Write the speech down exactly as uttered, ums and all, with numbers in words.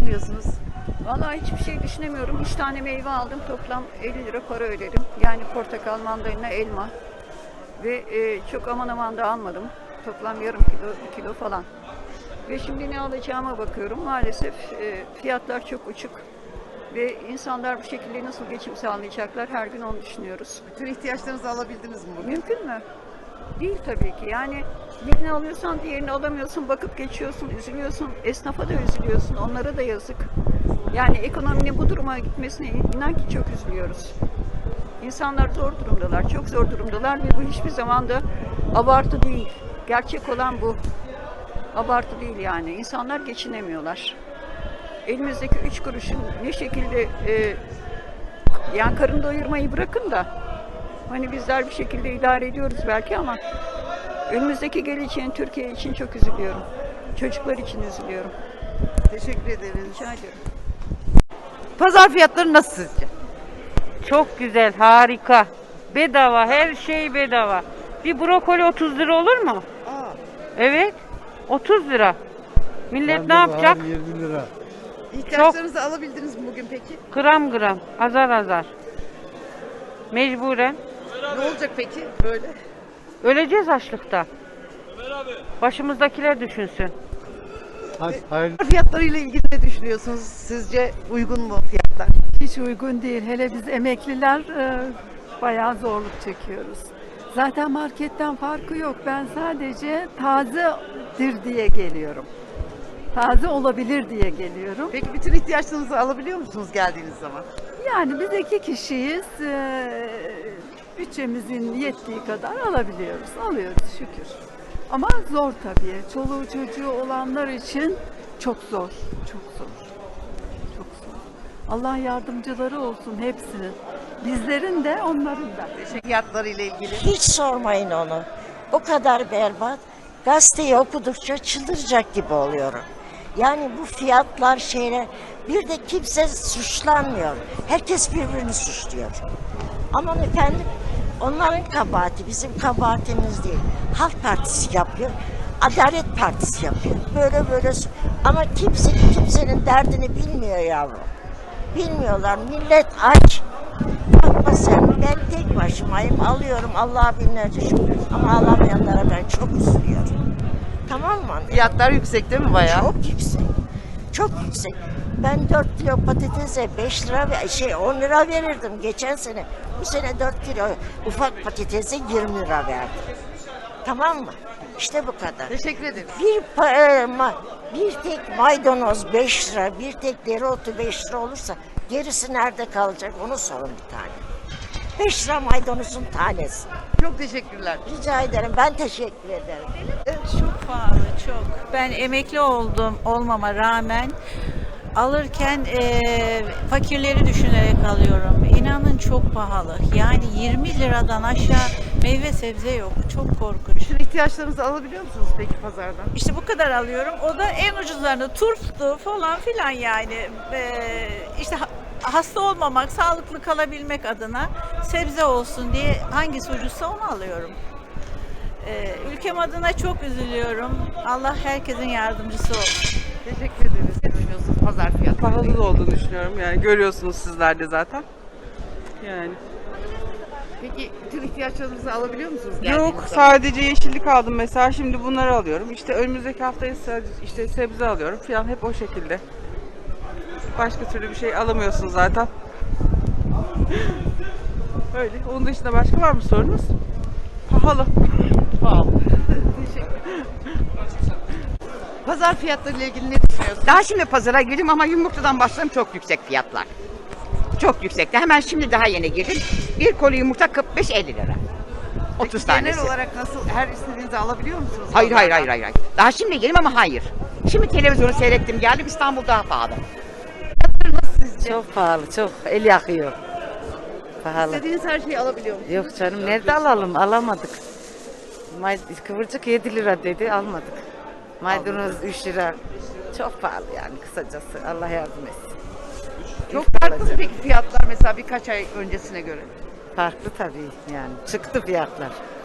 düşünüyorsunuz? Vallahi hiçbir şey düşünemiyorum. Üç tane meyve aldım. Toplam elli lira para ödedim. Yani portakal, mandalina, elma. Ve e, çok aman aman da almadım. Toplam yarım kilo, bir kilo falan. Ve şimdi ne alacağıma bakıyorum. Maalesef e, fiyatlar çok uçuk. Ve insanlar bu şekilde nasıl geçim sağlayacaklar her gün onu düşünüyoruz. Bütün ihtiyaçlarınızı alabildiniz mi bugün? Mümkün mü? Değil tabii ki. Yani birini alıyorsan diğerini alamıyorsun, bakıp geçiyorsun, üzülüyorsun. Esnafa da üzülüyorsun, onlara da yazık. Yani ekonominin bu duruma gitmesine inan ki çok üzülüyoruz. İnsanlar zor durumdalar, çok zor durumdalar ve bu hiçbir zaman da abartı değil. Gerçek olan bu. Abartı değil yani. İnsanlar geçinemiyorlar. Elimizdeki üç kuruşun ne şekilde e, yani karın doyurmayı bırakın da hani bizler bir şekilde idare ediyoruz belki ama önümüzdeki geleceğin Türkiye için çok üzülüyorum. Çocuklar için üzülüyorum. Teşekkür ederiz. Rica ediyorum. Pazar fiyatları nasıl sizce? Çok güzel, harika. Bedava, her şey bedava. Bir brokoli otuz lira olur mu? Aa, Evet, otuz lira. Millet ne yapacak? yirmi lira. ihtiyaçlarınızı alabildiniz mi bugün peki? Gram gram, azar azar. Mecburen. Ne olacak peki böyle? Öleceğiz açlıkta. Başımızdakiler düşünsün. Hayır, hayır. Pazar fiyatlarıyla ilgili ne düşünüyorsunuz? Sizce uygun mu fiyatlar? Hiç uygun değil. Hele biz emekliler e, bayağı zorluk çekiyoruz. Zaten marketten farkı yok. Ben sadece tazedir diye geliyorum. Taze olabilir diye geliyorum. Peki bütün ihtiyaçlarınızı alabiliyor musunuz geldiğiniz zaman? Yani biz iki kişiyiz. E, bütçemizin yettiği kadar alabiliyoruz. Alıyoruz şükür. Ama zor tabii. Çoluğu çocuğu olanlar için çok zor. Çok zor. Çok zor. Allah yardımcıları olsun hepsinin. Bizlerin de onların da. Fiyatlarıyla ilgili. Hiç sormayın onu. O kadar berbat. Gazeteyi okudukça çıldıracak gibi oluyorum. Yani bu fiyatlar şeyler, bir de kimse suçlanmıyor. Herkes birbirini suçluyor. Aman efendim, onların kabahati bizim kabahatimiz değil. Halk Partisi yapıyor, Adalet Partisi yapıyor. Böyle böyle su- ama kimse kimsenin derdini bilmiyor yavrum. Bilmiyorlar. Millet aç. Bakma sen, ben tek başımayım, alıyorum Allah'a binlerce şükür. Ama alamayanlara ben çok üzülüyorum. Tamam mı? Fiyatlar yüksek değil mi bayağı? Çok yüksek. Çok yüksek. Ben dört kilo patatese beş lira ve şey on lira verirdim geçen sene. Bu sene dört kilo ufak patatese yirmi lira verdim. Tamam mı? İşte bu kadar. Teşekkür ederim. Bir pa- e, ma- bir tek maydanoz beş lira, bir tek dereotu beş lira olursa gerisi nerede kalacak onu sorun bir tane. beş lira maydanozun tanesi. Çok teşekkürler. Rica ederim. Ben teşekkür ederim. Çok pahalı, çok. Ben emekli oldum olmama rağmen alırken eee, fakirleri düşünerek alıyorum. İnanın çok pahalı. Yani yirmi liradan aşağı meyve sebze yok. Çok korkunç. Bütün ihtiyaçlarınızı alabiliyor musunuz peki pazardan? İşte bu kadar alıyorum. O da en ucuzlarını turptu falan filan yani. Eee işte ha- hasta olmamak, sağlıklı kalabilmek adına sebze olsun diye hangisi ucuzsa onu alıyorum. Ee, ülkem adına çok üzülüyorum. Allah herkesin yardımcısı olsun. Teşekkür ederiz. Ne düşünüyorsunuz pazar fiyatları? Pahalı olduğunu düşünüyorum. Yani görüyorsunuz sizler de zaten. Yani. Peki bütün ihtiyaçlarınızı alabiliyor musunuz geldiğiniz Yok, zaman? sadece yeşillik aldım mesela. Şimdi bunları alıyorum. İşte önümüzdeki hafta ise işte sebze alıyorum falan, hep o şekilde. Başka türlü bir şey alamıyorsun zaten. Öyle. Onun dışında başka var mı sorunuz? Pahalı. Pahalı. Pazar fiyatlarıyla ilgili ne düşünüyorsunuz? Daha şimdi pazara girdim ama yumurtadan başladım, çok yüksek fiyatlar. Çok yüksekti. Hemen şimdi daha yeni girdim. Bir koli yumurta kırk beş elli lira. otuz Peki tanesi. genel olarak nasıl, her istediğinizi alabiliyor musunuz? Hayır hayır pazardan? hayır hayır. Daha şimdi girdim ama hayır. Şimdi televizyonu seyrettim geldim, İstanbul daha pahalı. Çok pahalı, çok. El yakıyor. Pahalı. İstediğiniz her şeyi alabiliyor musunuz? Yok canım, nerede alalım? Alamadık. May kıvırcık yedi lira dedi, almadık. Maydanoz üç lira. Çok pahalı yani kısacası. Allah yardım etsin. Çok farklı mı peki fiyatlar mesela birkaç ay öncesine göre? Farklı tabii yani. Çıktı fiyatlar.